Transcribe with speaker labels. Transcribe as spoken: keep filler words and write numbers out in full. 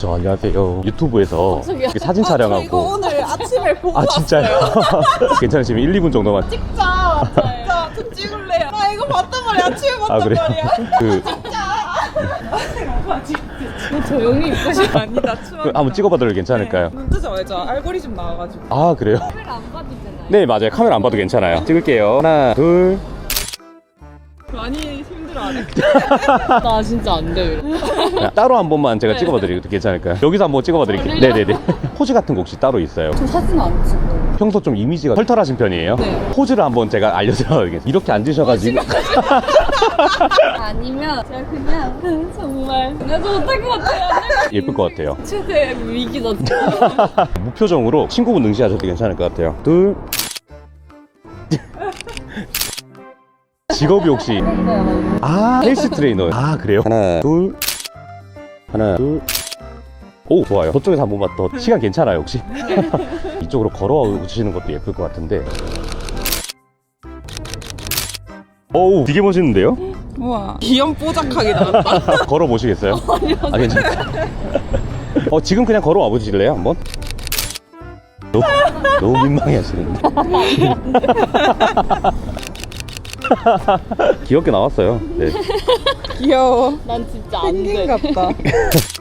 Speaker 1: 저 안녕하세요. 유튜브에서
Speaker 2: 저기요.
Speaker 1: 사진
Speaker 2: 아,
Speaker 1: 촬영하고.
Speaker 2: 저 이거 오늘 아침에 보고
Speaker 1: 아 진짜요? 괜찮으시면 일, 이 분 정도만.
Speaker 2: 찍자. 진짜 좀 찍을래요. 나 이거 봤단 말이야. 아침에 봤단
Speaker 1: 아 그래요?
Speaker 2: 말이야.
Speaker 1: 그
Speaker 2: 조용히 있고 싶어. 아니다. 추워.
Speaker 1: 그 한번 찍어봐도 괜찮을까요?
Speaker 2: 눈 뜨죠, 알죠? 알고리즘 나와가지고.
Speaker 1: 아 그래요?
Speaker 2: 카메라 안 봐도 되나요?
Speaker 1: 네 맞아요. 카메라 안 봐도 괜찮아요. 찍을게요. 하나 둘.
Speaker 2: 많이 힘들어하네. 나 진짜 안 돼.
Speaker 1: 따로 한 번만 제가 찍어봐드리도 괜찮을까요? 여기서 한번 찍어봐드릴게요. 네네네. 포즈 같은 거 혹시 따로 있어요?
Speaker 2: 저 사진 안 찍어요.
Speaker 1: 평소 좀 이미지가 털털하신 편이에요?
Speaker 2: 네.
Speaker 1: 포즈를 한번 제가 알려드려야겠어요. 이렇게 앉으셔가지고.
Speaker 2: 아니면 제가 그냥 정말 내가 좀 못할 것 같아요.
Speaker 1: 예쁠 것 같아요.
Speaker 2: 최대 위기다.
Speaker 1: 무표정으로 친구분 응시하셔도 괜찮을 것 같아요. 둘. 직업이 혹시 아 헬스 트레이너. 아 그래요? 하나 둘 하나 둘. 오 좋아요. 저쪽에서 한 번만 더. 시간 괜찮아요 혹시? 이쪽으로 걸어와 주시는 것도 예쁠 것 같은데. 어우 되게 멋있는데요?
Speaker 2: 우와. 귀염뽀짝하게 나왔다.
Speaker 1: 걸어 보시겠어요? 아 괜찮아요. 어 지금 그냥 걸어와 보실래요 한번? 너무, 너무 민망해 하시는데. 귀엽게 나왔어요. 네.
Speaker 2: 귀여워. 난 진짜 안 돼. 같다.